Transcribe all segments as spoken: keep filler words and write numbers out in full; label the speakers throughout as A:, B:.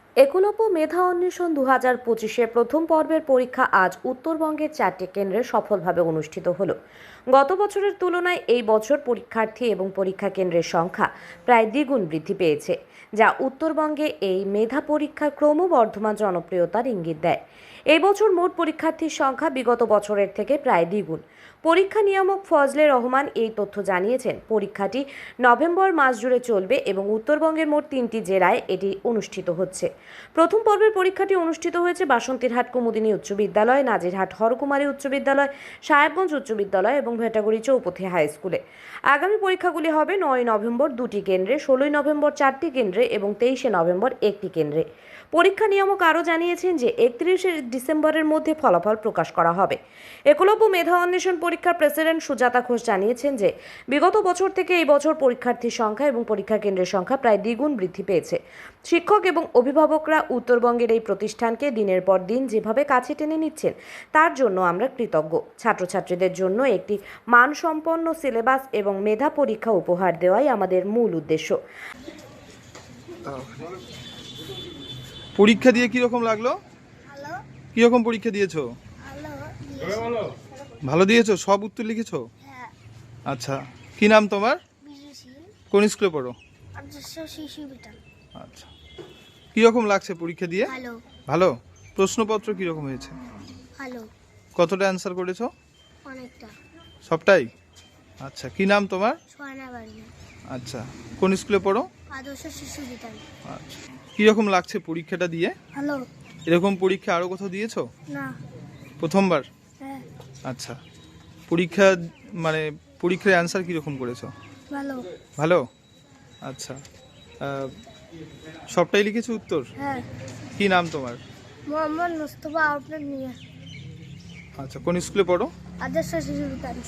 A: একলব্য মেধা অন্বেষণ দু হাজার পঁচিশের প্রথম পর্বের পরীক্ষা আজ উত্তরবঙ্গের চারটি কেন্দ্রে সফলভাবে অনুষ্ঠিত হলো। গত বছরের তুলনায় এই বছর পরীক্ষার্থী এবং পরীক্ষা কেন্দ্রের সংখ্যা প্রায় দ্বিগুণ বৃদ্ধি পেয়েছে, যা উত্তরবঙ্গে এই মেধা পরীক্ষার ক্রমবর্ধমান জনপ্রিয়তার ইঙ্গিত দেয়। এই বছর মোট পরীক্ষার্থীর সংখ্যা বিগত বছরের থেকে প্রায় দ্বিগুণ। পরীক্ষা নিয়ামক ফজলে রহমান এই তথ্য জানিয়েছেন। পরীক্ষাটি নভেম্বর মাস জুড়ে চলবে এবং উত্তরবঙ্গের মোট তিনটি জেলায় এটি অনুষ্ঠিত হচ্ছে। প্রথম পর্বের পরীক্ষাটি অনুষ্ঠিত হয়েছে বাসন্তীরহাট কুমুদিনী উচ্চ বিদ্যালয়, নাজিরহাট হরকুমারী উচ্চ বিদ্যালয়, সাহেবগঞ্জ উচ্চ বিদ্যালয় এবং ভেটাগুড়ি চৌপথি হাই স্কুলে। আগামী পরীক্ষাগুলি হবে নয় নভেম্বর দুটি কেন্দ্রে, ষোলোই নভেম্বর চারটি কেন্দ্রে এবং তেইশে নভেম্বর একটি কেন্দ্রে। পরীক্ষা নিয়ামক আরও জানিয়েছেন যে একত্রিশে ডিসেম্বরের মধ্যে ফলাফল প্রকাশ করা হবে। একলব্য মেধা অন্বেষণ পরীক্ষার প্রেসিডেন্ট সুজাতা ঘোষ জানিয়েছেন যে বিগত বছর থেকে এই বছর পরীক্ষার্থীর সংখ্যা এবং পরীক্ষা কেন্দ্রের সংখ্যা প্রায় দ্বিগুণ বৃদ্ধি পেয়েছে। শিক্ষক এবং অভিভাবকরা উত্তরবঙ্গের এই প্রতিষ্ঠানকে দিনের পর দিন যেভাবে কাছে টেনে নিচ্ছেন তার জন্য আমরা কৃতজ্ঞ। ছাত্রছাত্রীদের জন্য একটি মানসম্পন্ন সিলেবাস এবং মেধা পরীক্ষা উপহার দেওয়াই আমাদের মূল উদ্দেশ্য।
B: পরীক্ষা দিয়ে কিরকম লাগলো?
C: ভালো।
B: কিরকম পরীক্ষা দিয়েছো?
C: ভালো।
B: ভালো দিয়েছো? সব উত্তর লিখেছো?
C: হ্যাঁ।
B: আচ্ছা, কি নাম তোমার?
C: বিজুশীল।
B: কোন স্কুলে পড়ো?
C: আদর্শ শিশু বিদ্যালয়।
B: আচ্ছা, কিরকম লাগছে পরীক্ষা দিয়ে?
C: ভালো।
B: ভালো। প্রশ্নপত্র কিরকম হয়েছে?
C: ভালো।
B: কতটা অ্যান্সার করেছো?
C: অনেকটা।
B: সবটাই? আচ্ছা, কি নাম তোমার?
C: সোয়ানা বাড়ি।
B: আচ্ছা, কোন স্কুলে পড়ো?
C: আদর্শ শিশু বিদ্যালয়।
B: আচ্ছা, কিরকম লাগছে পরীক্ষাটা দিয়ে?
C: ভালো।
B: এরকম পরীক্ষা আরো কোথাও দিয়েছো?
C: না।
B: প্রথমবার?
C: হ্যাঁ।
B: আচ্ছা, পরীক্ষা মানে পরীক্ষার অ্যান্সার কিরকম করেছো?
C: ভালো।
B: ভালো। আচ্ছা, আহ, সবটাই লিখেছো উত্তর?
C: হ্যাঁ।
B: কি নাম তোমার?
C: মোহাম্মদ মুস্তফা আউটলেট নিয়ে।
B: আচ্ছা, কোন স্কুলে পড়ো?
C: আদর্শ শিশু বিদ্যালয়।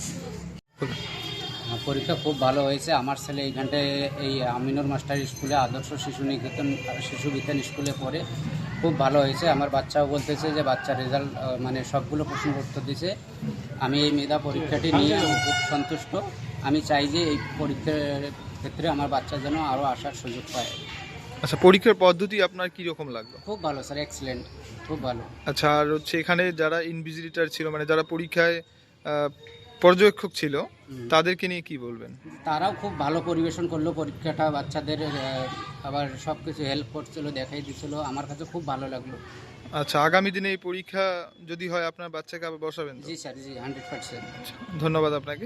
D: পরীক্ষা খুব ভালো হয়েছে। আমার ছেলে এইখানটায় এই আমিনুর মাস্টার স্কুলে আদর্শ শিশু নিকেতন শিশু বিজ্ঞান স্কুলে পড়ে। খুব ভালো হয়েছে। আমার বাচ্চাও বলতেছে যে বাচ্চার রেজাল্ট মানে সবগুলো প্রশ্ন উত্তর দিয়েছে। আমি এই মেধা পরীক্ষাটি নিয়ে আমি খুব সন্তুষ্ট। আমি চাই যে এই পরীক্ষার ক্ষেত্রে আমার বাচ্চা যেন আরও আসার সুযোগ পায়।
B: আচ্ছা, পরীক্ষার পদ্ধতি আপনার কি রকম লাগলো?
D: খুব ভালো স্যার, এক্সেলেন্ট, খুব ভালো।
B: আচ্ছা, আর হচ্ছে এখানে যারা ইনভিজিলেটর ছিল মানে যারা পরীক্ষায় আহ, পর্যবেক্ষক ছিল তাদেরকে নিয়ে কি বলবেন?
D: তারাও খুব ভালো পরিবেশন করলো পরীক্ষাটা, বাচ্চাদের আহ, আবার সব কিছু হেল্প করছিল, দেখাই দিছিল। আমার কাছে খুব ভালো লাগলো।
B: আচ্ছা, আগামী দিনে এই পরীক্ষা যদি হয় আপনার বাচ্চাকে আবার বসাবেন তো?
D: জি স্যার, জি, হান্ড্রেড পার্সেন্ট।
B: ধন্যবাদ আপনাকে।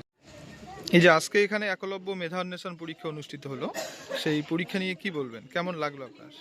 B: এই যে আজকে এখানে একলব্য মেধা অন্বেষণ পরীক্ষা অনুষ্ঠিত হলো, সেই পরীক্ষা নিয়ে কি বলবেন? কেমন লাগলো আপনার?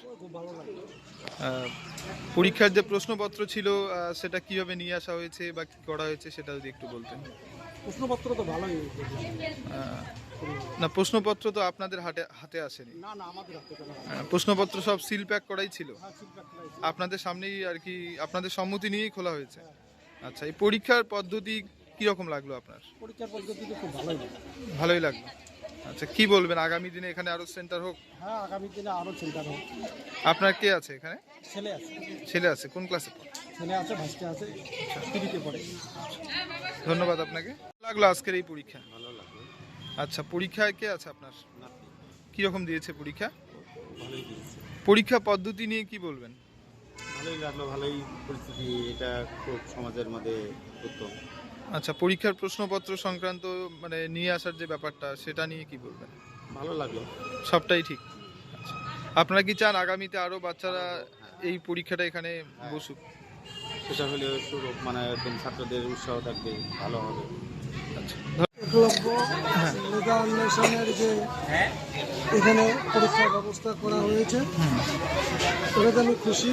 B: আহ, পরীক্ষার যে প্রশ্নপত্র ছিল আহ, সেটা কিভাবে নিয়ে আসা হয়েছে বা কি করা হয়েছে সেটা যদি একটু বলতেন।
E: প্রশ্নপত্র তো ভালোই।
B: আহ, না, প্রশ্নপত্র তো আপনাদের হাতে হাতে আসেনি।
E: না না, আমাদের হাতে কেন?
B: আহ, প্রশ্নপত্র সব সিল প্যাক করাই ছিল,
E: হ্যাঁ, feedback করাই।
B: আপনাদের সামনেই আর কি, আপনাদের সম্মতি নিয়েই খোলা হয়েছে। আচ্ছা, এই পরীক্ষার পদ্ধতি কিরকম লাগলো আপনার?
E: পরীক্ষার পদ্ধতি তো খুব ভালোই।
B: ভালোই লাগলো। আচ্ছা, কি বলবেন আগামী দিনে এখানে আরো সেন্টার হোক?
E: হ্যাঁ, আগামী দিনে আরও চিন্তা হোক।
B: আপনার কে আছে এখানে?
E: ছেলে আছে।
B: ছেলে আছে? কোন ক্লাসে পড়ে?
E: ছেলে আছে, ভাইস্তে আছে, টিভিতে পড়ে।
B: ধন্যবাদ আপনাকে। লাগলো আজকের এই পরীক্ষা?
F: ভালো লাগলো।
B: আচ্ছা, পরীক্ষায় কে আছে আপনার?
F: নাতি
B: কিরকম দিয়েছে পরীক্ষা?
F: ভালোই দিয়েছে।
B: পরীক্ষা পদ্ধতি নিয়ে কি বলবেন?
F: ভালোই লাগলো, ভালোই পরিস্থিতি। এটা খুব সমাজের মধ্যে উত্তম।
B: আচ্ছা, পরীক্ষার প্রশ্নপত্র সংক্রান্ত মানে নিয়ে আসার যে ব্যাপারটা সেটা নিয়ে কি বলবেন?
F: ভালো লাগলো।
B: সবটাই ঠিক। আচ্ছা, আপনারা কি চান আগামীতে আরো বাচ্চারা এই পরীক্ষাটা এখানে বসুক?
F: সেটা হলে একটু মানে একদম ছাত্রদের উৎসাহ থাকবে, ভালো হবে।
B: আচ্ছা,
E: একলব্য মেধা অন্বেষণের যে এখানে পরীক্ষার ব্যবস্থা করা হয়েছে এটাতে আমি খুশি।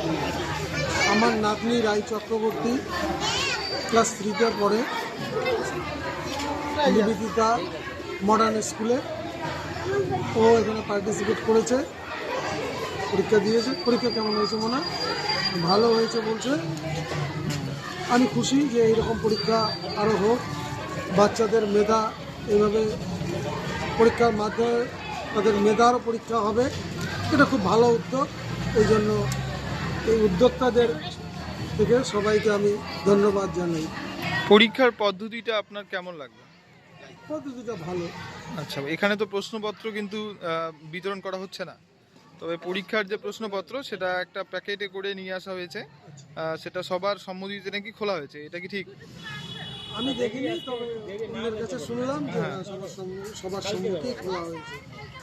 E: আমার নাতনি রায় চক্রবর্তী ক্লাস থ্রিতে পড়ে নিবেদিতা মডার্ন স্কুলে। ও এখানে পার্টিসিপেট করেছে, পরীক্ষা দিয়েছে। পরীক্ষা কেমন হয়েছে মনে হয়? ভালো হয়েছে বলছে। আমি খুশি যে এইরকম পরীক্ষা আরও হোক, বাচ্চাদের মেধা এইভাবে পরীক্ষার মাধ্যমে তাদের মেধারও পরীক্ষা হবে। এটা খুব ভালো উদ্যোগ। এই জন্য এই উদ্যোক্তাদের থেকে সবাইকে আমি ধন্যবাদ জানাই।
B: পরীক্ষার পদ্ধতিটা আপনার কেমন লাগলো?
E: পদ্ধতিটা ভালো।
B: আচ্ছা, এখানে তো প্রশ্নপত্র কিন্তু আহ, বিতরণ করা হচ্ছে না, তবে পরীক্ষার যে প্রশ্নপত্র সেটা একটা প্যাকেটে করে নিয়ে আসা হয়েছে, আহ, সেটা সবার সম্মতিতে নাকি খোলা হয়েছে, এটা কি ঠিক?
E: আমি দেখিনি, তবে অন্যের কাছে শুনলাম যে হ্যাঁ, সবার সামনে সবার সম্মুখেই খোলা হয়েছে।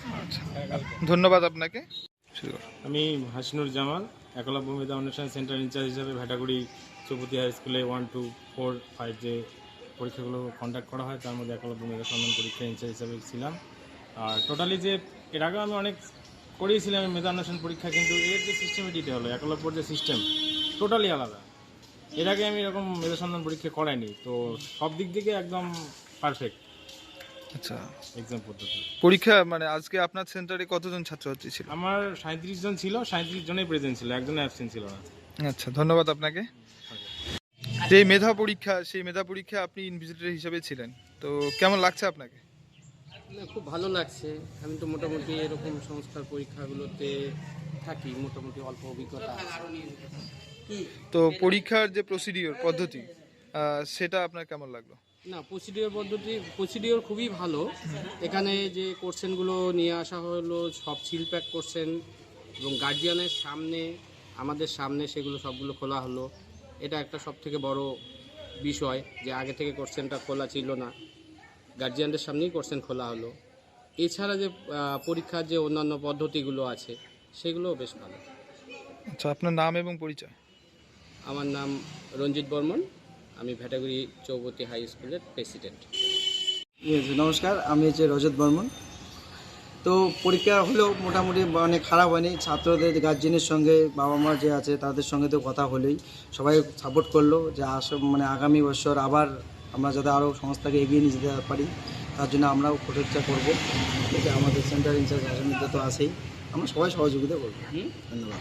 B: ধন্যবাদ আপনাকে। শুরু করুন।
G: আমি হাসিনুর জামাল, একলব্য মেধা অন্বেষণ সেন্টার ইনচার্জ হিসাবে ভেটাগুড়ি চৌপতি হাই স্কুলে ওয়ান টু ফোর ফাইভ যে পরীক্ষাগুলো কন্ডাক্ট করা হয় তার মধ্যে একলব্য মেধা সন্ধান পরীক্ষা ইনচার্জ হিসাবে ছিলাম। আর টোটালি যে এর আগেও আমি অনেক করিয়েছিলাম আমি মেধা অন্বেষণ পরীক্ষা, কিন্তু এর যে সিস্টেমেটিটা হলো একলব্যর যে সিস্টেম টোটালি আলাদা। এর আগে আমি এরকম মেধা সন্ধান পরীক্ষা করাইনি, তো সব দিক থেকে একদম পারফেক্ট
B: আচ্ছা,
G: এক্সাম পদ্ধতি।
B: পরীক্ষা মানে আজকে আপনার সেন্টারে কতজন ছাত্রছাত্রী ছিল?
G: আমার সাঁত্রিশ জন ছিল, সাঁত্রিশ জনেই প্রেজেন্ট ছিল, একজনের অ্যাবসেন্ট ছিল না।
B: আচ্ছা, ধন্যবাদ আপনাকে। যে মেধা পরীক্ষা, সেই মেধা পরীক্ষা আপনি ইনভিজিটর হিসেবে ছিলেন, তো কেমন লাগছে আপনাকে?
H: না, খুব ভালো লাগছে। আমি তো মোটামুটি এরকম সংস্থার পরীক্ষাগুলোতে থাকি, মোটামুটি অল্প অভিজ্ঞতা আছে।
B: তো পরীক্ষার যে প্রসিডিওর পদ্ধতি আহ, সেটা আপনার কেমন লাগলো?
H: না, প্রসিডিওর পদ্ধতি প্রসিডিওর খুবই ভালো। এখানে যে কোশ্চেনগুলো নিয়ে আসা হলো সব সিল প্যাক কোশ্চেন, এবং গার্জিয়ানের সামনে আমাদের সামনে সেগুলো সবগুলো খোলা হলো। এটা একটা সব থেকে বড় বিষয় যে আগে থেকে কোশ্চেনটা খোলা ছিল না, গার্জিয়ানদের সামনেই কোশ্চেন খোলা হলো। এছাড়া যে আহ, পরীক্ষার যে অন্যান্য পদ্ধতিগুলো আছে সেগুলোও বেশ ভালো।
B: আচ্ছা, আপনার নাম এবং পরিচয়?
H: আমার নাম রঞ্জিত বর্মন, আমি ভেটাগুড়ি চৌপতি হাই স্কুলের প্রেসিডেন্ট।
I: নমস্কার, আমি হচ্ছে রজত বর্মন। তো পরীক্ষা হলেও মোটামুটি মানে খারাপ হয়নি। ছাত্রদের গার্জেনের সঙ্গে বাবা মা যে আছে তাদের সঙ্গে তো কথা হলেই সবাই সাপোর্ট করলো যে আস মানে আগামী বছর আবার আমরা যাতে আরও সংস্থাকে এগিয়ে নিয়ে যেতে পারি তার জন্য আমরাও প্রচেষ্টা করবো। ঠিক আছে, আমাদের সেন্টার ইনচার্জ হাসমিদা তো আছেই, আমরা সবাই সহযোগিতা করবো। ধন্যবাদ।